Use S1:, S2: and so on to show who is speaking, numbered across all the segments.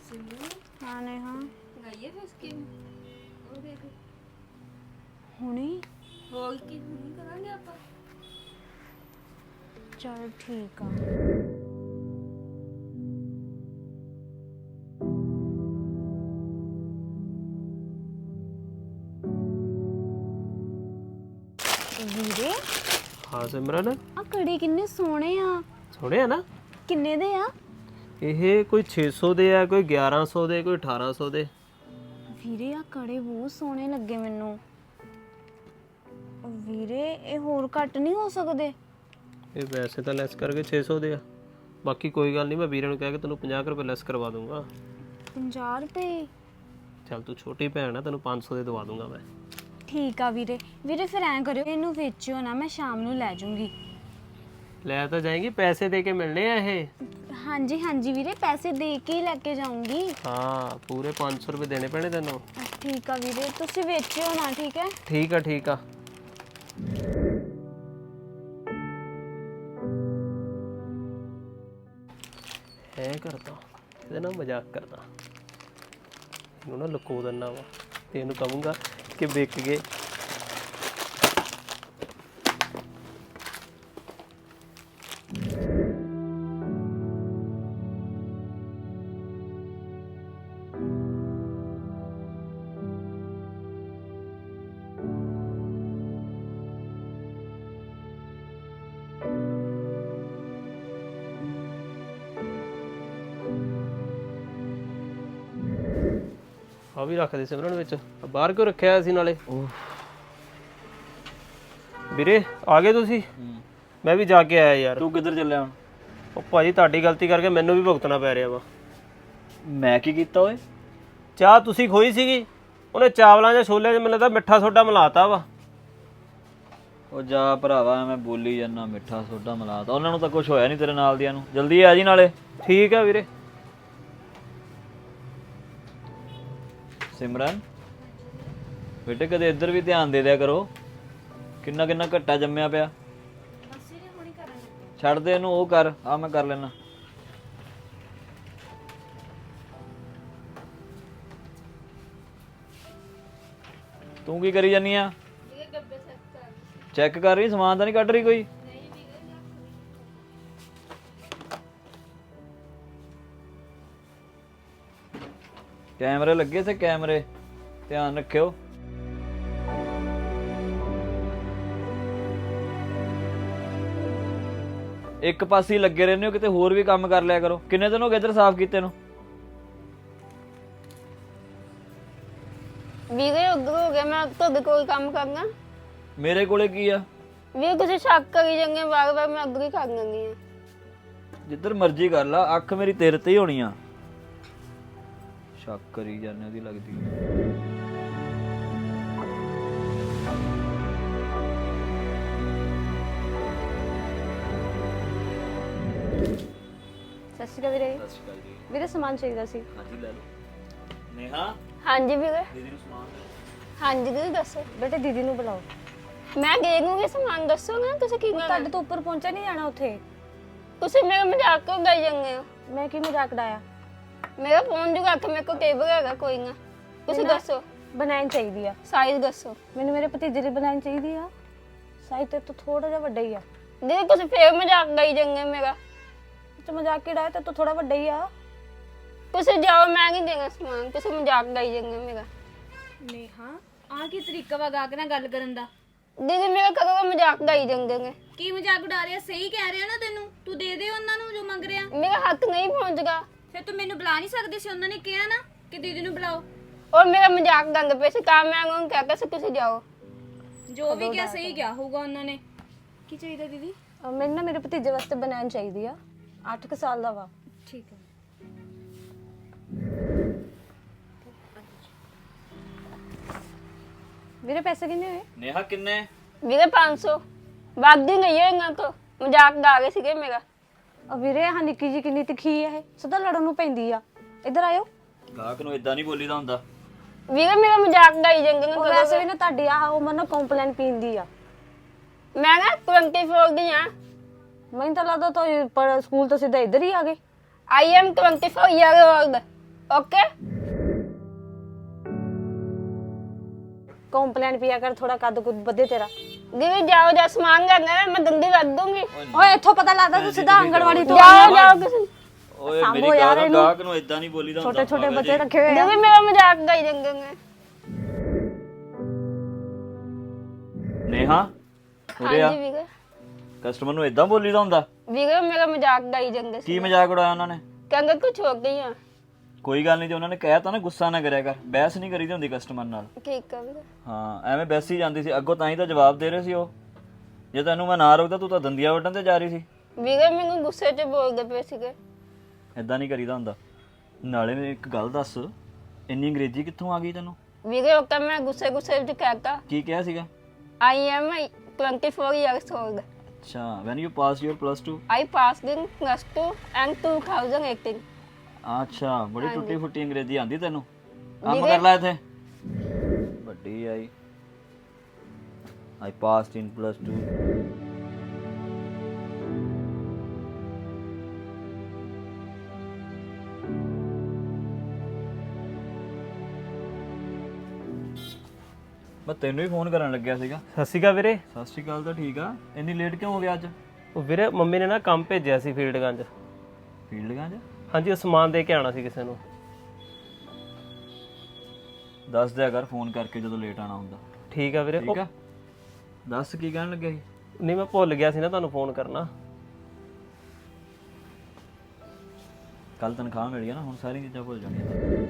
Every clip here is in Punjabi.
S1: हाँ नेहा
S2: लगाइए फिर स्कीम ਉਹ ਦੇਖ
S1: हुणी
S2: ਹੋਰ ਕੀ ਨਹੀਂ ਕਰਾਂਗੇ ਆਪਾਂ
S1: चल ठीक आ ਵੀਰੇ
S3: ਹਾਂ ਸਿਮਰਨ
S1: ਆ ਕੜੇ ਕਿੰਨੇ ਸੋਹਣੇ ਆ
S3: ਸੁਣਿਆ ਨਾ
S1: ਕਿੰਨੇ ਦੇ ਆ
S3: ਇਹ ਕੋਈ 600 ਦੇ ਆ ਕੋਈ 1100 ਦੇ ਕੋਈ 1800 ਦੇ
S1: ਵੀਰੇ ਆ ਕੜੇ ਬਹੁਤ ਸੋਹਣੇ ਲੱਗੇ ਮੈਨੂੰ ਵੀਰੇ ਇਹ ਹੋਰ ਘੱਟ ਨਹੀਂ ਹੋ ਸਕਦੇ
S3: ਇਹ ਵੈਸੇ ਤਾਂ ਲੈਸ ਕਰਕੇ 600 ਦੇ ਆ ਬਾਕੀ ਕੋਈ ਗੱਲ ਨਹੀਂ ਮੈਂ ਵੀਰੇ ਨੂੰ ਕਹਿ ਕੇ ਤੈਨੂੰ 50 ਰੁਪਏ ਲੈਸ ਕਰਵਾ ਦੂੰਗਾ
S1: 50 ਰੁਪਏ
S3: ਚੱਲ ਤੂੰ ਛੋਟੀ ਭੈਣ ਆ ਤੈਨੂੰ 500 ਦੇ ਦਵਾ ਦੂੰਗਾ ਮੈਂ
S1: ਠੀਕ ਆ ਵੀਰੇ ਵੀਰੇ ਫਿਰ ਐਂ ਕਰਿਓ ਇਹਨੂੰ ਵੇਚਿਓ ਨਾ ਮੈਂ ਸ਼ਾਮ ਨੂੰ ਲੈ ਜਾਊਂਗੀ
S3: ਲੈ ਤਾਂ ਜਾਏਂਗੀ ਪੈਸੇ ਦੇ ਕੇ ਮਿਲਣੇ ਆ ਇਹ
S1: ਹਾਂਜੀ ਹਾਂਜੀ ਵੀਰੇ ਪੈਸੇ ਦੇ ਕੇ ਹੀ ਲੈ ਕੇ ਜਾਊਂਗੀ
S3: ਹਾਂ ਪੂਰੇ 500 ਰੁਪਏ ਦੇਣੇ ਪੈਣੇ ਤੈਨੂੰ
S1: ਠੀਕ ਆ ਵੀਰੇ ਤੁਸੀਂ ਵੇਚਿਓ ਨਾ ਠੀਕ ਹੈ
S3: ਠੀਕ ਆ ਐ ਕਰਦਾ ਇਹਦੇ ਨਾਲ ਮਜ਼ਾਕ ਕਰਦਾ ਇਹਨੂੰ ਨਾ ਲੁਕੋ ਦਿੰਦਾ ਵਾ ਤੇ ਇਹਨੂੰ ਕਹੂੰਗਾ ਕਿ ਵਿਕ ਗਏ ਆ ਵੀ ਰੱਖ ਦੇ ਸਿਮਰਨ ਵਿੱਚ ਆਹ ਬਾਹਰ ਕਿਉਂ ਰੱਖਿਆ ਸੀ ਨਾਲੇ ਵੀਰੇ ਆ ਗਏ ਤੁਸੀਂ ਮੈਂ ਵੀ ਜਾ ਕੇ ਆਇਆ ਯਾਰ
S4: ਤੂੰ ਕਿੱਧਰ ਚੱਲਿਆ ਹੁਣ?
S3: ਉਹ ਭਾਜੀ ਤੁਹਾਡੀ ਗਲਤੀ ਕਰਕੇ ਮੈਨੂੰ ਵੀ ਭੁਗਤਣਾ ਪੈ ਰਿਹਾ ਵਾ
S4: ਮੈਂ ਕੀ ਕੀਤਾ ਓਏ?
S3: ਚਾਹ ਤੁਸੀਂ ਖੋਈ ਸੀਗੀ ਉਹਨੇ ਚਾਵਲਾਂ ਜਾਂ ਛੋਲਿਆਂ 'ਚ ਮੈਨੂੰ ਲੱਗਦਾ ਮਿੱਠਾ ਸੋਡਾ ਮਿਲਾਤਾ ਵਾ
S4: ਉਹ ਜਾ ਭਰਾਵਾ ਮੈਂ ਬੋਲੀ ਜਾਂਦਾ ਮਿੱਠਾ ਸੋਡਾ ਮਿਲਾਤਾ ਉਹਨਾਂ ਨੂੰ ਤਾਂ ਕੁਝ ਹੋਇਆ ਨਹੀਂ ਤੇਰੇ ਨਾਲ ਦੀਆਂ ਨੂੰ ਜਲਦੀ ਆ ਜੀ ਨਾਲੇ
S3: ਠੀਕ ਆ ਵੀਰੇ
S4: ਸਿਮਰਨ ਬੇਟੇ ਕਦੇ ਇੱਧਰ ਵੀ ਧਿਆਨ ਦੇ ਦਿਆ ਕਰੋ ਕਿੰਨਾ ਕਿੰਨਾ ਘੱਟਾ ਜੰਮਿਆ ਪਿਆ ਛੱਡ ਦੇ ਇਹਨੂੰ ਉਹ ਕਰ ਆ ਮੈਂ ਕਰ ਲੈਣਾ ਤੂੰ ਕੀ ਕਰੀ ਜਾਨੀ ਆ ਚੈੱਕ ਕਰ ਰਹੀ ਸਮਾਨ ਤਾਂ ਨਹੀਂ ਕੱਢ ਰਹੀ ਕੋਈ ਕੈਮਰੇ ਲੱਗੇ ਸੇ ਕੈਮਰੇ ਧਿਆਨ ਰੱਖਿਓ ਇੱਕ ਪਾਸੇ ਹੀ ਲੱਗੇ ਰਹਿੰਦੇ ਹੋ ਕਿਤੇ ਹੋਰ ਵੀ ਕੰਮ ਕਰ ਲਿਆ ਕਰੋ ਕਿੰਨੇ ਦਿਨ ਹੋ ਗਏ ਇੱਧਰ ਸਾਫ਼ ਕੀਤੇ ਨੂੰ
S2: ਵੀਰੇ ਉੱਧਰ ਹੋ ਗਿਆ ਮੈਂ ਤੁਹਾਡੇ ਕੋਲ ਕੰਮ ਕਰਨਾ
S4: ਮੇਰੇ ਕੋਲੇ ਕੀ ਆ
S2: ਵੀਰੇ ਤੁਸੀਂ ਸ਼ੱਕ ਕਰੀ ਜਾਂਗੇ ਵਾਰ ਮੈਂ ਅੱਗੇ ਹੀ ਕਰ ਲੈਂਦੀ ਆ
S4: ਜਿੱਧਰ ਮਰਜ਼ੀ ਕਰ ਲਾ ਅੱਖ ਮੇਰੀ ਤੇਰੇ ਤੇ ਹੀ ਹੋਣੀ ਆ ਸ਼ੱਕ ਕਰੀ ਜਾਂਦੇ ਉਹਦੀ ਲੱਗਦੀ
S2: ਸਤਿ ਸ਼੍ਰੀ ਅਕਾਲ ਵੀਰੇ
S4: ਸਤਿ ਸ਼੍ਰੀ ਅਕਾਲ ਜੀ
S2: ਵੀਰੇ ਸਮਾਨ ਚਾਹੀਦਾ ਸੀ
S4: ਹਾਂਜੀ ਲੈ ਲਓ ਨੇਹਾ
S2: ਹਾਂਜੀ ਵੀਰੇ
S4: ਦੀਦੀ ਨੂੰ ਸਮਾਨ
S2: ਹਾਂਜੀ ਦੀਦੀ ਦੱਸੋ
S1: ਬੇਟੇ ਦੀਦੀ ਨੂੰ ਬੁਲਾਓ
S2: ਮੈਂ ਦੇ ਦੂੰਗੀ ਸਮਾਨ ਦੱਸੋ ਨਾ ਤੁਸੀਂ ਕੀ ਕਰਨਾ
S1: ਤੁਹਾਡੇ ਤੋਂ ਉੱਪਰ ਪਹੁੰਚਾ ਨਹੀਂ ਜਾਣਾ ਉੱਥੇ
S2: ਤੁਸੀਂ ਮੇਰਾ ਮਜ਼ਾਕ ਕਿਉਂ ਉਡਾਈ ਜਾਂਦੇ ਹੋ
S1: ਮੈਂ ਕੀ ਮਜ਼ਾਕ ਉਡਾਇਆ
S2: ਮੇਰਾ ਫੋਨ ਜੁਗਾ ਕੇ ਮੇਰੇ ਕੋਲ ਟੇਬਲ ਹੈਗਾ ਕੋਈ ਨਾ ਤੁਸੀਂ ਦੱਸੋ
S1: ਬਣਾਉਣੀ ਚਾਹੀਦੀ ਆ
S2: ਸਾਈਜ਼ ਦੱਸੋ
S1: ਮੈਨੂੰ ਮੇਰੇ ਭਤੀਜੇ ਦੀ ਬਣਾਉਣੀ ਚਾਹੀਦੀ ਆ ਸਾਈਜ਼ ਤੇ ਤੋਂ ਥੋੜਾ ਜਿਹਾ ਵੱਡਾ ਹੀ ਆ
S2: ਦੀਦੀ ਤੁਸੀਂ ਫੇਰ ਮਜ਼ਾਕ ਉਡਾਈ ਜਾਂਦੇ ਹੋ ਮੇਰਾ
S1: ਤੇ ਮਜ਼ਾਕ ਕਿਹੜਾ ਤੇ ਤੋਂ ਥੋੜਾ ਵੱਡਾ ਹੀ ਆ
S2: ਤੁਸੀਂ ਜਾਓ ਮੈਂ ਨਹੀਂ ਦੇਣਾ ਸਮਾਨ ਤੁਸੀਂ ਮਜ਼ਾਕ ਉਡਾਈ ਜਾਂਦੇ ਹੋ ਮੇਰਾ
S1: ਨੇਹਾ ਆ ਕੀ ਤਰੀਕਾ ਵਾ ਗਾ ਕੇ ਨਾ ਗੱਲ ਕਰਨ ਦਾ
S2: ਦੀਦੀ ਮੇਰਾ ਕਦੋਂ ਮਜ਼ਾਕ ਉਡਾਈ ਜਾਂਦੇ ਨੇ
S1: ਕੀ ਮਜ਼ਾਕ ਉਡਾ ਰਿਹਾ ਸਹੀ ਕਹਿ ਰਿਹਾ ਨਾ ਤੈਨੂੰ ਤੂੰ ਦੇ ਦੇ ਉਹਨਾਂ ਨੂੰ ਜੋ ਮੰਗ ਰਿਹਾ
S2: ਮੇਰਾ ਹੱਥ ਨਹੀਂ ਪਹੁੰਚਦਾ
S1: ਫਿਰ ਤੂੰ ਮੈਨੂੰ ਬੁਲਾ ਨਹੀਂ ਸਕਦੀ ਸੀ ਉਹਨਾਂ ਨੇ ਕਿਹਾ ਨਾ ਕਿ ਦੀਦੀ ਨੂੰ ਬੁਲਾਓ
S2: ਔਰ ਮੇਰਾ ਮਜ਼ਾਕ ਉਡਾਉਂਦੇ ਪਏ ਸੀ ਤਾਂ ਮੈਂ ਉਹਨਾਂ ਨੂੰ ਕਹਿ ਕੇ ਤੁਸੀਂ ਜਾਓ
S1: ਜੋ ਵੀ ਕਿਹਾ ਸਹੀ ਕਿਹਾ ਹੋਊਗਾ ਉਹਨਾਂ ਨੇ ਕੀ ਚਾਹੀਦਾ ਦੀਦੀ ਮੈਨੂੰ ਨਾ ਮੇਰੇ ਭਤੀਜੇ ਵਾਸਤੇ ਬਣਾਉਣੀ ਚਾਹੀਦੀ ਆ 8 ਸਾਲ ਦਾ ਵਾ ਠੀਕ ਹੈ ਵੀਰੇ ਪੈਸੇ ਕਿੰਨੇ ਹੋਏ
S4: ਨੇਹਾ ਕਿੰਨੇ
S2: ਵੀਰੇ 500 ਵਾਦੀ ਨਹੀਂ ਹੈ ਇਹਨਾਂ ਤੋਂ ਮਜ਼ਾਕ ਉਡਾ ਰਹੇ ਸੀਗੇ ਮੇਰਾ
S1: ਆ ਵੀਰੇ ਆਹ ਨਿੱਕੀ ਜੀ ਕਿੰਨੀ ਤਿੱਖੀ ਆ ਇਹ ਸਦਾ ਲੜਨ ਨੂੰ ਪੈਂਦੀ ਆ ਇੱਧਰ ਆਇਓ
S4: ਗਾਹਕ ਨੂੰ ਇਦਾਂ ਨਹੀਂ ਬੋਲੀਦਾ ਹੁੰਦਾ
S2: ਵੀਰੇ ਮੇਰਾ ਮਜ਼ਾਕ ਉਡਾਈ ਜਾਂਦੇ ਨੇ
S1: ਉਹ ਵੈਸੇ ਵੀ ਨਾ ਤੁਹਾਡੀ ਆਹ ਉਮਰ ਨਾ ਕੰਪਲੇਨ ਪੀਂਦੀ ਆ
S2: ਮੈਂ ਨਾ 24 ਦੀ ਆ
S1: ਮੈਨੂੰ ਤਾਂ ਲੱਗਦਾ ਤੁਸੀਂ ਪਰ ਸਕੂਲ ਤੋਂ ਸਿੱਧਾ ਇੱਧਰ ਹੀ ਆ ਗਏ
S2: I am 24 year old okay
S1: complaint ਪਿਆ ਕਰ, ਥੋੜਾ ਕੱਦ ਕੁੱਦ ਵਧੇ ਤੇਰਾ।
S2: दीदी जाओ जा सामान करना है मैं दंडी रख दूंगी
S1: ਓਏ ਇੱਥੋਂ ਪਤਾ ਲੱਗਦਾ ਤੂੰ ਸਿੱਧਾ ਆਂਗਣਵਾੜੀ ਤੋਂ
S2: जाओ जाओ किसी
S4: ਓਏ ਮੇਰੀ ਗੱਲ ਗਾਹਕ ਨੂੰ ਇਦਾਂ ਨਹੀਂ ਬੋਲੀਦਾ ਹੁੰਦਾ।
S1: ਛੋਟੇ ਛੋਟੇ ਬੱਚੇ ਰੱਖੇ ਹੋਏ ਆ।
S2: दीदी मेरा मजाक गई देंगे
S4: ਨੇਹਾ ਉਰੇ ਆ।
S2: हाँ जी वीरे
S4: ਕਸਟਮਰ ਨੂੰ ਇਦਾਂ ਬੋਲੀਦਾ ਹੁੰਦਾ?
S2: वीरे मेरा मजाक गई देंगे
S4: ਕੀ ਮਜ਼ਾਕ ਉਡਾਇਆ ਉਹਨਾਂ ਨੇ?
S2: कहंगे कुछ हो गई है
S4: ਕੋਈ ਗੱਲ ਨਹੀਂ, ਜੇ ਉਹਨਾਂ ਨੇ ਕਹਿ ਤਾ ਨਾ ਗੁੱਸਾ ਨਾ ਕਰਿਆ ਕਰ, ਬਹਿਸ ਨਹੀਂ ਕਰੀਦੀ ਹੁੰਦੀ ਕਸਟਮਰ ਨਾਲ।
S2: ठीक है वीरे
S4: ਹਾਂ ਐਵੇਂ ਬੈਸੀ ਜਾਂਦੀ ਸੀ ਅੱਗੋਂ, ਤਾਂ ਹੀ ਤਾਂ ਜਵਾਬ ਦੇ ਰਹੇ ਸੀ ਉਹ। ਜੇ ਤੈਨੂੰ ਮੈਂ ਨਾ ਰੋਕਦਾ ਤੂੰ ਤਾਂ ਦੰਦੀਆਂ ਵੱਢਣ ਤੇ ਜਾ ਰਹੀ ਸੀ।
S2: वीरे मैंने गुस्से च बोल दे पे सीगे
S4: ਇਦਾਂ ਨਹੀਂ ਕਰੀਦਾ ਹੁੰਦਾ। ਨਾਲੇ ਮੈਨੂੰ ਇੱਕ ਗੱਲ ਦੱਸ, ਇੰਨੀ ਅੰਗਰੇਜ਼ੀ ਕਿੱਥੋਂ ਆ ਗਈ ਤੈਨੂੰ?
S2: वीरे ओके मैं गुस्से गुस्से च कहता
S4: ਕੀ ਕਿਹਾ ਸੀਗਾ?
S2: I am 24 years old
S4: ਅੱਛਾ, when you pass your +2?
S2: I passed in +2 and 2018
S4: ਅੱਛਾ, ਬੜੀ ਟੁੱਟੀ ਫੁੱਟੀ ਅੰਗਰੇਜ਼ੀ ਆਂਦੀ ਤੈਨੂੰ। ਕੰਮ ਕਰ ਲੈ ਇੱਥੇ। ਵੱਡੀ ਆਈ I passed in +2. ਮੈਂ ਤੈਨੂੰ ਹੀ ਫੋਨ ਕਰਨ ਲੱਗਿਆ ਸੀਗਾ।
S3: ਸਤਿ ਸ਼੍ਰੀ ਅਕਾਲ ਵੀਰੇ।
S4: ਸਤਿ ਸ਼੍ਰੀ ਅਕਾਲ। ਤਾਂ ਠੀਕ ਆ, ਇੰਨੀ ਲੇਟ ਕਿਉਂ ਹੋ ਗਿਆ ਅੱਜ?
S3: ਉਹ ਵੀਰੇ ਮੰਮੀ ਨੇ ਨਾ ਕੰਮ ਭੇਜਿਆ ਸੀ ਫੀਲਡਗੰਜ।
S4: ਫੀਲਡਗੰਜ?
S3: ਹਾਂਜੀ, ਉਹ ਸਮਾਨ ਦੇ ਕੇ ਆਉਣਾ ਸੀ ਕਿਸੇ ਨੂੰ।
S4: ਦੱਸ ਦਿਆ ਕਰ ਫੋਨ ਕਰਕੇ ਜਦੋਂ ਲੇਟ ਆਣਾ ਹੁੰਦਾ।
S3: ਠੀਕ ਆ ਵੀਰੇ।
S4: ਠੀਕ ਆ, ਦੱਸ ਕੀ ਕਹਿਣ ਲੱਗਿਆ ਸੀ?
S3: ਨਹੀਂ, ਮੈਂ ਭੁੱਲ ਗਿਆ ਸੀ ਨਾ ਤੁਹਾਨੂੰ ਫੋਨ ਕਰਨਾ।
S4: ਕੱਲ ਤਨਖਾਹ ਮਿਲ ਗਿਆ ਨਾ, ਹੁਣ ਸਾਰੀਆਂ ਚੀਜ਼ਾਂ ਭੁੱਲ ਜਾਣੀਆਂ।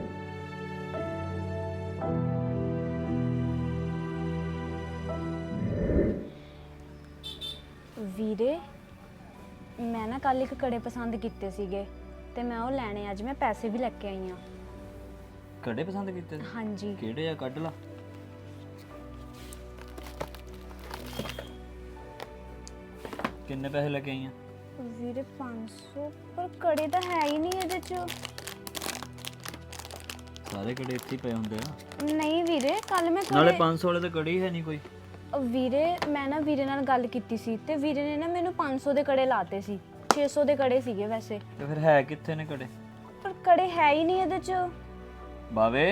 S1: ਵੀਰੇ ਮੈਂ ਨਾ ਕੱਲ ਇੱਕ ਕੜੇ ਪਸੰਦ ਕੀਤੇ ਸੀਗੇ ਤੇ ਮੈਂ ਉਹ ਲੈਣੇ, ਅੱਜ ਮੈਂ ਪੈਸੇ ਵੀ ਲੈ ਕੇ ਆਈ ਆ।
S4: ਕੜੇ ਪਸੰਦ ਕੀਤੇ?
S1: ਹਾਂਜੀ।
S4: ਕਿਹੜੇ ਆ, ਕੱਢ ਲਾ। ਕਿੰਨੇ ਪੈਸੇ ਲੈ ਕੇ ਆਈ ਆ?
S1: ਵੀਰੇ 500, ਪਰ ਕੜੇ ਤਾਂ ਹੈ ਹੀ ਨਹੀਂ ਇਹਦੇ ਚ।
S4: ਸਾਰੇ ਕੜੇ ਇੱਥੇ ਹੀ ਪਏ ਹੁੰਦੇ ਆ।
S1: ਨਹੀਂ ਵੀਰੇ, ਕੱਲ ਮੈਂ
S4: ਨਾਲੇ
S1: ਕੜੇ
S4: 500 ਵਾਲੇ ਤਾਂ ਕੜੇ ਹੀ ਹੈ ਨਹੀਂ ਕੋਈ।
S1: ਵੀਰੇ ਮੈਂ ਨਾ ਵੀਰੇ ਨਾਲ ਗੱਲ ਕੀਤੀ ਸੀ ਤੇ ਵੀਰੇ ਨੇ ਨਾ ਮੈਨੂੰ 500 ਦੇ ਕੜੇ ਲਾਤੇ ਸੀ। 600 ਦੇ ਕੜੇ ਸੀਗੇ ਵੈਸੇ,
S4: ਤੇ ਫਿਰ ਹੈ ਕਿੱਥੇ ਨੇ ਕੜੇ?
S1: ਪਰ ਕੜੇ ਹੈ ਹੀ ਨਹੀਂ ਇਹਦੇ ਚ।
S4: ਬਾਵੇ,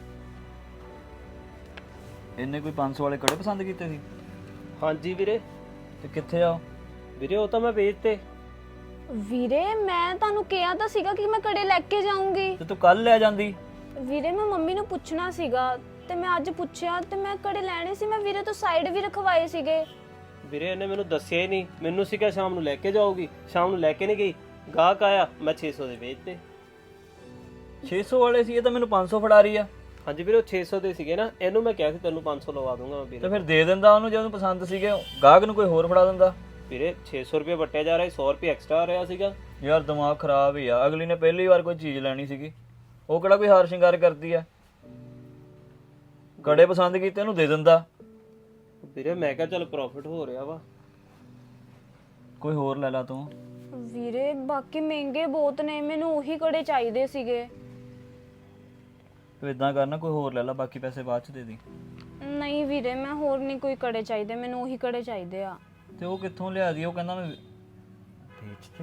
S4: ਇਹਨੇ ਕੋਈ 500 ਵਾਲੇ ਕੜੇ ਪਸੰਦ ਕੀਤੇ ਸੀ?
S3: ਹਾਂਜੀ ਵੀਰੇ।
S4: ਤੇ ਕਿੱਥੇ ਆ ਉਹ?
S3: ਵੀਰੇ ਉਹ ਤਾਂ ਮੈਂ ਵੇਚਤੇ।
S1: ਵੀਰੇ ਮੈਂ ਤੁਹਾਨੂੰ ਕਿਹਾ ਤਾਂ ਸੀਗਾ ਕਿ ਮੈਂ ਕੜੇ ਲੈ ਕੇ ਜਾਊਂਗੀ।
S4: ਤੇ ਤੂੰ ਕੱਲ ਲੈ ਜਾਂਦੀ।
S1: ਵੀਰੇ ਮੈਂ ਮੰਮੀ ਨੂੰ ਪੁੱਛਣਾ ਸੀਗਾ ਤੇ ਮੈਂ ਅੱਜ ਪੁੱਛਿਆ ਤੇ ਮੈਂ ਕੜੇ ਲੈਣੇ ਸੀ। ਮੈਂ ਵੀਰੇ ਤੋਂ ਸਾਈਡ ਵੀ ਰਖਵਾਏ ਸੀਗੇ।
S3: ਵੀਰੇ ਇਹਨੇ ਮੈਨੂੰ ਦੱਸਿਆ ਹੀ ਨਹੀਂ। ਮੈਨੂੰ ਸੀਗਾ ਸ਼ਾਮ ਨੂੰ ਲੈ ਕੇ ਜਾਊਗੀ, ਸ਼ਾਮ ਨੂੰ ਲੈ ਕੇ ਨਹੀਂ ਗਈ। ਗਾਹਕ ਆਇਆ, ਮੈਂ 600 ਦੇ ਵੇਚਤੇ।
S4: 600 ਵਾਲੇ ਸੀ, ਇਹ ਤਾਂ ਮੈਨੂੰ 500 ਫੜਾ ਰਹੀ ਆ।
S3: ਹਾਂਜੀ ਵੀਰੇ, ਉਹ 600 ਦੇ ਸੀਗੇ ਨਾ। ਇਹਨੂੰ ਮੈਂ ਕਿਹਾ ਸੀ ਤੈਨੂੰ 500 ਲਵਾ ਦੂੰਗਾ ਮੈਂ
S4: ਤੇ
S3: ਵੀਰੇ।
S4: ਫਿਰ ਦੇ ਦਿੰਦਾ ਉਹਨੂੰ, ਜੇ ਉਹਨੂੰ ਪਸੰਦ ਸੀਗੇ। ਗਾਹਕ ਨੂੰ ਕੋਈ ਹੋਰ ਫੜਾ ਦਿੰਦਾ।
S3: ਵੀਰੇ 600 ਰੁਪਏ ਵਟਿਆ ਜਾ ਰਿਹਾ, 100 ਰੁਪਏ ਐਕਸਟਰਾ ਆ ਰਿਹਾ ਸੀਗਾ।
S4: ਯਾਰ ਦਿਮਾਗ ਖਰਾਬ ਹੀ ਆ। ਅਗਲੀ ਨੇ ਪਹਿਲੀ ਵਾਰ ਕੋਈ ਚੀਜ਼ ਲੈਣੀ ਸੀਗੀ, ਉਹ ਕਿਹੜਾ ਕੋਈ ਹਾਰ ਸ਼ਿੰਗਾਰ ਕਰਦੀ ਆ। ਕੜੇ ਪਸੰਦ ਕੀਤੇ ਉਹਨੂੰ ਦੇ ਦਿੰਦਾ।
S3: ਵੀਰੇ ਮੈਂ ਕਿਹਾ ਚੱਲ ਪ੍ਰੋਫਿਟ ਹੋ ਰਿਹਾ ਵਾ।
S4: ਕੋਈ ਹੋਰ ਲੈ ਲਾ ਤੂੰ।
S1: ਵੀਰੇ ਬਾਕੀ ਮਹਿੰਗੇ ਬਹੁਤ ਨੇ, ਮੈਨੂੰ ਉਹੀ ਕੜੇ ਚਾਹੀਦੇ ਸੀਗੇ।
S4: ਤੂੰ ਇਦਾਂ ਕਰਨਾ, ਕੋਈ ਹੋਰ ਲੈ ਲਾ, ਬਾਕੀ ਪੈਸੇ ਬਾਅਦ ਚ ਦੇ ਦੀ।
S1: ਨਹੀਂ ਵੀਰੇ ਮੈਂ ਹੋਰ ਨਹੀਂ ਕੋਈ ਕੜੇ ਚਾਹੀਦੇ, ਮੈਨੂੰ ਉਹੀ ਕੜੇ ਚਾਹੀਦੇ ਆ।
S4: ਤੇ ਉਹ ਕਿੱਥੋਂ ਲਿਆ ਦੀ? ਉਹ ਕਹਿੰਦਾ ਮੈਂ ਵੇਚਤੇ।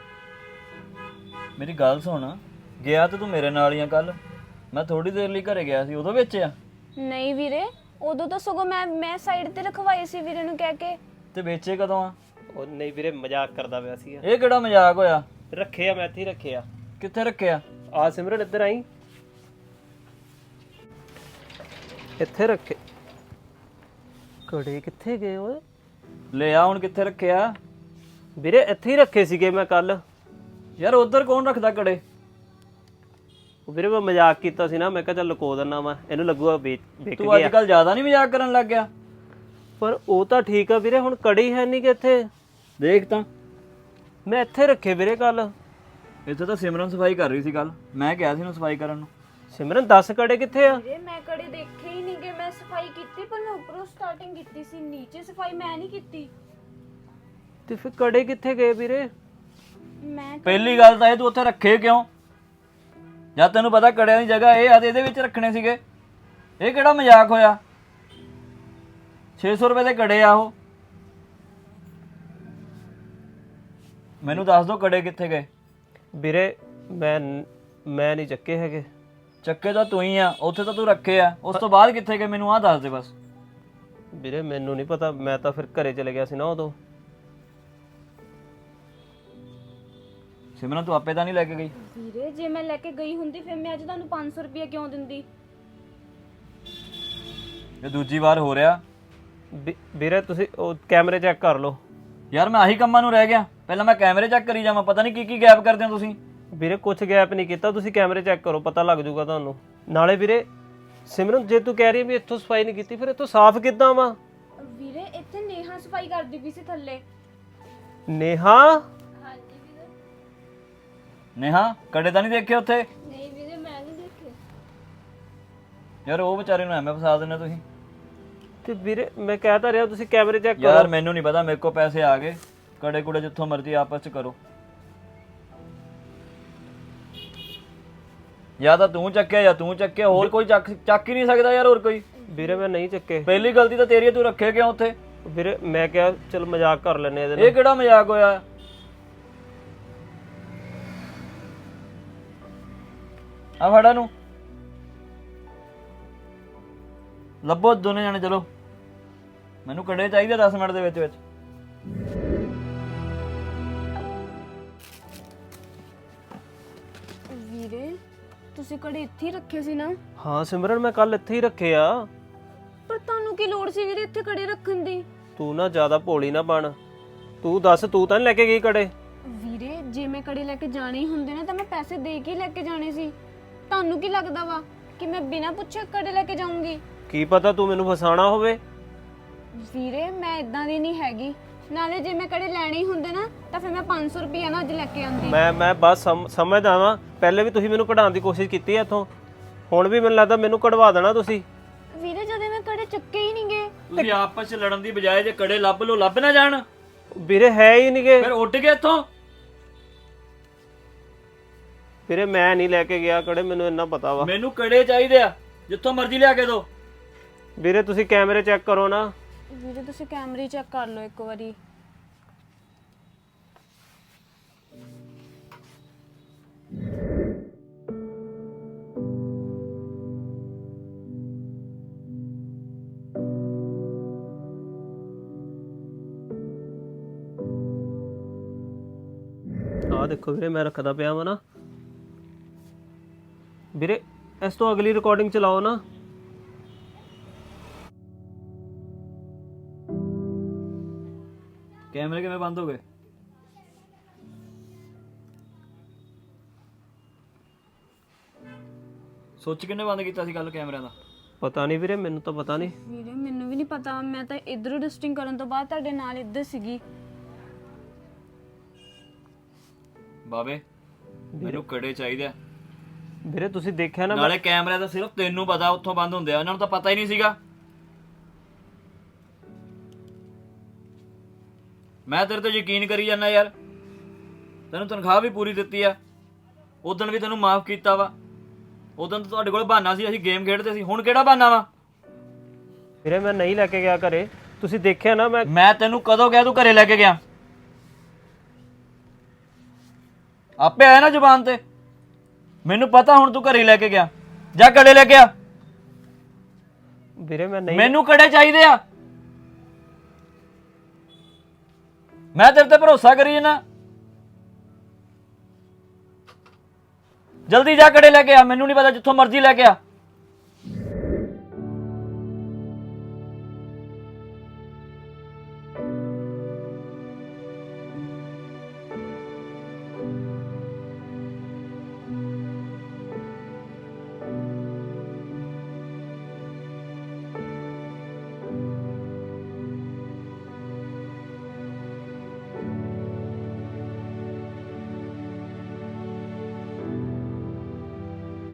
S4: ਮੇਰੀ ਗੱਲ ਸੁਣ, ਗਿਆ ਤੇ ਤੂੰ ਮੇਰੇ ਨਾਲ ਹੀ ਆ। ਕੱਲ ਮੈਂ ਥੋੜੀ ਦੇਰ ਲਈ ਘਰੇ ਗਿਆ ਸੀ, ਉਦੋਂ ਵੇਚਿਆ?
S1: ਨਹੀਂ ਵੀਰੇ, ਉਦੋਂ ਤਾਂ ਸਗੋਂ ਮੈਂ ਸਾਈਡ ਤੇ ਰਖਵਾਏ ਸੀ ਵੀਰੇ ਨੂੰ ਕਹਿ ਕੇ।
S4: ਤੇ ਵੇਚੇ ਕਦੋਂ ਆ?
S3: ਉਹ ਨਹੀਂ ਵੀਰੇ, ਮਜ਼ਾਕ ਕਰਦਾ ਪਿਆ ਸੀਗਾ।
S4: ਇਹ ਕਿਹੜਾ ਮਜ਼ਾਕ ਹੋਇਆ?
S3: ਰੱਖਿਆ ਮੈਂ ਇੱਥੇ ਹੀ ਰੱਖਿਆ।
S4: ਕਿੱਥੇ ਰੱਖਿਆ?
S3: ਆ ਸਿਮਰਨ ਇੱਧਰ ਆਈ। ਇੱਥੇ ਰੱਖੇ। ਕੜੇ ਕਿੱਥੇ ਗਏ ਓਏ?
S4: ਲੈ ਆ ਹੁਣ, ਕਿੱਥੇ ਰੱਖਿਆ?
S3: ਵੀਰੇ ਇੱਥੇ ਹੀ ਰੱਖੇ ਸੀਗੇ ਮੈਂ ਕੱਲ।
S4: ਯਾਰ ਉਧਰ ਕੌਣ ਰੱਖਦਾ ਕੜੇ?
S3: ਵੀਰੇ ਮੈਂ ਮਜ਼ਾਕ ਕੀਤਾ ਸੀ ਨਾ, ਮੈਂ ਕਿਹਾ ਚੱਲ ਲੁਕੋ ਦਿੰਨਾ ਵਾ, ਇਹਨੂੰ ਲੱਗੂਗਾ ਵਿਕ
S4: ਤੂੰ ਅੱਜ
S3: ਗਿਆ।
S4: ਕੱਲ ਜ਼ਿਆਦਾ ਨਹੀਂ ਮਜ਼ਾਕ ਕਰਨ ਲੱਗ ਗਿਆ?
S3: ਪਰ ਉਹ ਤਾਂ ਠੀਕ ਆ ਵੀਰੇ, ਹੁਣ ਕੜੀ ਹੈ ਨਹੀਂ ਕਿ ਇੱਥੇ।
S4: ਦੇਖ ਤਾਂ,
S3: ਮੈਂ ਇੱਥੇ ਰੱਖੇ ਵੀਰੇ ਕੱਲ।
S4: ਇੱਥੇ ਤਾਂ ਸਿਮਰਨ ਸਫਾਈ ਕਰ ਰਹੀ ਸੀ ਕੱਲ, ਮੈਂ ਕਿਹਾ ਸੀ ਉਹਨੂੰ ਸਫਾਈ ਕਰਨ ਨੂੰ।
S3: ਸਿਮਰਨ 10 ਕੜੇ ਕਿੱਥੇ ਆ?
S1: ਵੀਰੇ ਮੈਂ ਕੜੇ ਦੇਖੇ ਹੀ ਨਹੀਂਗੇ। ਮੈਂ ਸਫਾਈ ਕੀਤੀ ਪਰ ਮੈਂ ਉੱਪਰੋਂ ਸਟਾਰਟਿੰਗ ਕੀਤੀ ਸੀ, ਨੀਚੇ ਸਫਾਈ ਮੈਂ ਨਹੀਂ ਕੀਤੀ।
S3: ਤੇ ਫਿਰ ਕੜੇ ਕਿੱਥੇ ਗਏ ਵੀਰੇ?
S1: ਮੈਂ
S4: ਪਹਿਲੀ ਗੱਲ ਤਾਂ ਇਹ, ਤੂੰ ਉੱਥੇ ਰੱਖੇ ਕਿਉਂ? ਜਦ ਤੈਨੂੰ ਪਤਾ ਕੜਿਆਂ ਦੀ ਜਗ੍ਹਾ ਇਹ ਆ ਤੇ ਇਹਦੇ ਵਿੱਚ ਰੱਖਣੇ ਸੀਗੇ। ਇਹ ਕਿਹੜਾ ਮਜ਼ਾਕ ਹੋਇਆ? 600 ਰੁਪਏ ਦੇ ਕੜੇ ਆ ਉਹ। ਮੈਨੂੰ ਦੱਸ ਦੋ ਕੜੇ ਕਿੱਥੇ ਗਏ?
S3: ਵੀਰੇ ਮੈਂ ਮੈਂ ਨਹੀਂ ਚੱਕੇ ਹੈਗੇ।
S4: ਚੱਕੇ ਤਾਂ ਤੂੰ ਹੀ ਆ, ਉੱਥੇ ਤਾਂ ਤੂੰ ਰੱਖੇ ਆ, ਉਸ ਤੋਂ ਬਾਅਦ ਕਿੱਥੇ ਗਏ ਮੈਨੂੰ ਆਹ ਦੱਸ ਦੇ ਬਸ।
S3: ਵੀਰੇ ਮੈਨੂੰ ਨਹੀਂ ਪਤਾ, ਮੈਂ ਤਾਂ ਫਿਰ ਘਰੇ ਚਲੇ ਗਿਆ ਸੀ ਨਾ ਉਦੋਂ।
S4: ਸਿਮਰਨ ਤੂੰ ਆਪੇ ਤਾਂ ਨਹੀਂ ਲੈ ਕੇ ਗਈ?
S1: ਵੀਰੇ ਜੇ ਮੈਂ ਲੈ ਕੇ ਗਈ ਹੁੰਦੀ ਫਿਰ ਮੈਂ ਅੱਜ ਤੁਹਾਨੂੰ 500 ਰੁਪਏ ਕਿਉਂ ਦਿੰਦੀ?
S4: ਇਹ ਦੂਜੀ ਵਾਰ ਹੋ ਰਿਹਾ।
S3: ਵੀਰੇ ਤੁਸੀਂ ਉਹ ਕੈਮਰੇ ਚੈੱਕ ਕਰ ਲਓ।
S4: ਯਾਰ ਮੈਂ ਆਹੀ ਕੰਮਾਂ ਨੂੰ ਰਹਿ ਗਿਆ, ਪਹਿਲਾਂ ਮੈਂ ਕੈਮਰੇ ਚੈੱਕ ਕਰੀ ਜਾਵਾਂ, ਪਤਾ ਨਹੀਂ ਕੀ ਗੈਪ ਕਰਦੇ ਹੋ ਤੁਸੀਂ।
S3: ਵੀਰੇ ਕੁਝ ਗੈਪ ਨਹੀਂ ਕੀਤਾ, ਤੁਸੀਂ ਕੈਮਰੇ ਚੈੱਕ ਕਰੋ, ਪਤਾ ਲੱਗ ਜਾਊਗਾ ਤੁਹਾਨੂੰ। ਨਾਲੇ ਵੀਰੇ ਸਿਮਰਨ ਜੇ ਤੂੰ ਕਹਿ ਰਹੀ ਹੈ ਵੀ ਇੱਥੋਂ ਸਫਾਈ ਨਹੀਂ ਕੀਤੀ, ਫਿਰ ਇੱਥੋਂ ਸਾਫ਼ ਕਿੱਦਾਂ ਵਾ?
S1: ਵੀਰੇ ਇੱਥੇ ਨੇਹਾ ਸਫਾਈ ਕਰਦੀ ਪਈ ਸੀ ਥੱਲੇ।
S3: ਨੇਹਾ?
S4: ਨੇਹਾ ਕੜੇ ਤਾਂ ਨਹੀਂ ਦੇਖੇ ਉੱਥੇ?
S1: ਨਹੀਂ ਵੀਰੇ ਮੈਂ ਨਹੀਂ ਦੇਖੇ।
S4: ਯਾਰ ਉਹ ਵਿਚਾਰੇ ਨੂੰ ਐਵੇਂ ਫਸਾ ਦਿੰਦੇ ਤੁਸੀਂ।
S3: ਤੇ ਵੀਰੇ ਮੈਂ ਕਹਿ ਤਾਂ ਰਿਹਾ ਤੁਸੀਂ ਕੈਮਰੇ ਚੈੱਕ
S4: ਯਾਰ
S3: ਕਰੋ।
S4: ਮੈਨੂੰ ਨਹੀਂ ਪਤਾ, ਮੇਰੇ ਕੋਲ ਪੈਸੇ ਆ ਗਏ, ਕੜੇ ਕੁੜੇ ਜਿੱਥੋਂ ਮਰਜ਼ੀ ਆਪਸ ਚ ਕਰੋ। ਜਾਂ ਤਾਂ ਤੂੰ ਚੱਕਿਆ ਜਾਂ ਤੂੰ ਚੱਕਿਆ, ਹੋਰ ਕੋਈ ਚੱਕ ਹੀ ਨਹੀਂ ਸਕਦਾ ਯਾਰ, ਹੋਰ ਕੋਈ।
S3: ਵੀਰੇ ਮੈਂ ਨਹੀਂ ਚੱਕੇ।
S4: ਪਹਿਲੀ ਗਲਤੀ ਤਾਂ ਤੇਰੀ ਹੈ, ਤੂੰ ਰੱਖੇ ਕਿਉਂ ਉੱਥੇ?
S3: ਵੀਰੇ ਮੈਂ ਕਿਹਾ ਚਲ ਮਜ਼ਾਕ ਕਰ ਲੈਨੇ ਇਹਦੇ ਨਾਲ।
S4: ਇਹ ਕਿਹੜਾ ਮਜ਼ਾਕ ਹੋਇਆ? ਆ ਫੜਾ ਨੂੰ ਲੱਭੋ ਦੋਨੇ ਜਾਣੇ, ਚਲੋ ਮੈਨੂੰ ਕੜੇ ਚਾਹੀਦੇ 10 ਮਿੰਟ ਦੇ ਵਿੱਚ।
S1: ਵੀਰੇ ਤੁਸੀਂ ਕੜੇ ਇੱਥੇ ਹੀ ਰੱਖੇ ਸੀ ਨਾ?
S3: ਹਾਂ ਸਿਮਰਨ ਮੈਂ ਕੱਲ ਇੱਥੇ ਹੀ ਰੱਖੇ ਆ।
S1: ਪਰ ਤੁਹਾਨੂੰ ਕੀ ਲੋੜ ਸੀ ਵੀਰੇ ਇੱਥੇ ਕੜੇ ਰੱਖਣ ਦੀ?
S3: ਤੂੰ ਨਾ ਜ਼ਿਆਦਾ ਭੋਲੀ ਨਾ ਬਣ। ਤੂੰ ਦੱਸ ਤੂੰ ਤਾਂ ਨੀ ਲੈ ਕੇ ਗਈ ਕੜੇ?
S1: ਵੀਰੇ ਜੇ ਮੈਂ ਕੜੇ ਲੈ ਕੇ ਜਾਣੇ ਹੀ ਹੁੰਦੇ ਨਾ ਤਾਂ ਮੈਂ ਪੈਸੇ ਦੇ ਕੇ ਹੀ ਲੈ ਕੇ ਜਾਣੇ ਸੀ। ਤੁਹਾਨੂੰ ਕੀ ਲੱਗਦਾ ਵਾ ਕਿ ਮੈਂ ਬਿਨਾਂ ਪੁੱਛੇ ਕੜੇ ਲੈ ਕੇ ਜਾਊਂਗੀ?
S3: ਕੀ ਪਤਾ ਤੂੰ ਮੈਨੂੰ ਫਸਾਣਾ ਹੋਵੇ।
S1: ਵੀਰੇ ਮੈਂ ਇਦਾਂ ਦੀ ਨਹੀਂ ਹੈਗੀ। ਨਾਲੇ ਜੇ ਮੈਂ ਕੜੇ ਲੈਣੇ ਹੀ ਹੁੰਦੇ ਨਾ ਤਾਂ ਫਿਰ ਮੈਂ 500 ਰੁਪਏ ਨਾ ਅੱਜ ਲੈ ਕੇ ਆਉਂਦੀ।
S3: ਮੈਂ ਬਸ ਸਮਝਦਾ ਵਾਂ, ਪਹਿਲੇ ਵੀ ਤੁਸੀਂ ਮੈਨੂੰ ਕਢਾਉਣ ਦੀ ਕੋਸ਼ਿਸ਼ ਕੀਤੀ ਹੈ ਇੱਥੋਂ, ਹੁਣ ਵੀ ਮੈਨੂੰ ਲੱਗਦਾ ਮੈਨੂੰ ਕਢਵਾ ਦੇਣਾ ਤੁਸੀਂ।
S1: ਵੀਰੇ ਜਦੋਂ ਮੈਂ ਕੜੇ ਚੱਕੇ ਹੀ ਨਹੀਂ ਗਏ।
S4: ਤੁਸੀਂ ਆਪਸ ਚ ਲੜਨ ਦੀ ਬਜਾਏ ਜੇ ਕੜੇ ਲੱਭ ਲੋ, ਲੱਭ ਨਾ ਜਾਣ।
S3: ਵੀਰੇ ਹੈ ਹੀ ਨਹੀਂਗੇ।
S4: ਫਿਰ ਉੱਡ ਗਏ ਇੱਥੋਂ।
S3: ਵੀਰੇ ਮੈਂ ਨਹੀਂ ਲੈ ਕੇ ਗਿਆ ਕੜੇ, ਮੈਨੂੰ ਇੰਨਾ ਪਤਾ ਵਾ।
S4: ਮੈਨੂੰ ਕੜੇ ਚਾਹੀਦੇ ਆ, ਜਿੱਥੋਂ ਮਰਜ਼ੀ ਲਿਆ ਕੇ ਦੋ।
S3: ਵੀਰੇ ਤੁਸੀਂ ਕੈਮਰੇ ਚੈੱਕ ਕਰੋ ਨਾ।
S1: ਵੀਰੇ ਤੁਸੀਂ ਕੈਮਰੇ ਚੈੱਕ ਕਰ ਲਓ ਇੱਕ ਵਾਰੀ।
S3: ਆਹ ਦੇਖੋ ਵੀਰੇ ਮੈਂ ਰੱਖਦਾ ਪਿਆ ਵਾ ਨਾ। ਵੀਰੇ ਇਸ ਤੋਂ ਅਗਲੀ ਰਿਕਾਰਡਿੰਗ ਚਲਾਓ ਨਾ।
S4: ਕੈਮਰੇ ਕਿਵੇਂ ਬੰਦ ਹੋ ਗਏ? ਸੋਚ ਕਿੰਨੇ ਬੰਦ ਕੀਤਾ ਸੀ ਕੱਲ ਕੈਮਰਿਆਂ ਦਾ?
S3: ਪਤਾ ਨਹੀਂ ਵੀਰੇ, ਮੈਨੂੰ ਤਾਂ ਪਤਾ ਨਹੀਂ।
S1: ਵੀਰੇ ਮੈਨੂੰ ਵੀ ਨਹੀਂ ਪਤਾ, ਮੈਂ ਤਾਂ ਇਧਰੋਂ ਡਸਟਿੰਗ ਕਰਨ ਤੋਂ ਬਾਅਦ ਤੁਹਾਡੇ ਨਾਲ ਇੱਧਰ ਸੀਗੀ।
S4: ਬਾਬੇ ਮੈਨੂੰ ਕੜੇ ਚਾਹੀਦੇ ਆ।
S3: ਵੀਰੇ ਤੁਸੀਂ ਦੇਖਿਆ ਨਾ
S4: ਨਾਲੇ ਕੈਮਰਿਆਂ ਦਾ ਸਿਰਫ ਤੈਨੂੰ ਪਤਾ ਉੱਥੋਂ ਬੰਦ ਹੁੰਦੇ ਆ, ਉਹਨਾਂ ਨੂੰ ਤਾਂ ਪਤਾ ਹੀ ਨਹੀਂ ਸੀਗਾ। ਮੈਂ ਤੇਰੇ ਤੇ ਯਕੀਨ ਕਰੀ ਜਾਂਦਾ ਯਾਰ, ਤੈਨੂੰ ਤਨਖਾਹ ਵੀ ਪੂਰੀ ਦਿੱਤੀ ਆ, ਉਦਣ ਵੀ ਤੈਨੂੰ ਮਾਫ ਕੀਤਾ ਵਾ। ਉਦੋਂ ਤਾਂ ਤੁਹਾਡੇ ਕੋਲ ਬਹਾਨਾ ਸੀ, ਅਸੀਂ ਗੇਮ ਖੇਡਦੇ ਸੀ, ਹੁਣ ਕਿਹੜਾ ਬਹਾਨਾ ਵਾ?
S3: ਵੀਰੇ ਮੈਂ ਨਹੀਂ ਲੈ ਕੇ ਗਿਆ ਘਰੇ, ਤੁਸੀਂ ਦੇਖਿਆ ਨਾ।
S4: ਮੈਂ ਤੈਨੂੰ ਕਦੋਂ ਕਿਹਾ ਤੂੰ ਘਰੇ ਲੈ ਕੇ ਗਿਆ? ਆਪੇ ਆਇਆ ਨਾ ਜ਼ੁਬਾਨ ਤੇ। ਮੈਨੂੰ ਪਤਾ ਹੁਣ ਤੂੰ ਘਰੇ ਲੈ ਕੇ ਗਿਆ, ਜਾ ਕੜੇ ਲੈ ਕੇ ਆ।
S3: ਵੀਰੇ ਮੈਂ ਨਹੀਂ,
S4: ਮੈਨੂੰ ਕੜੇ ਚਾਹੀਦੇ ਆ, ਮੈਂ ਤੇਰੇ ਤੇ ਭਰੋਸਾ ਕਰੀ ਜਾਨਾ। ਜਲਦੀ ਜਾ ਕੜੇ ਲੈ ਕੇ ਆ, ਮੈਨੂੰ ਨਹੀਂ ਪਤਾ, ਜਿੱਥੋਂ ਮਰਜ਼ੀ ਲੈ ਕੇ ਆ।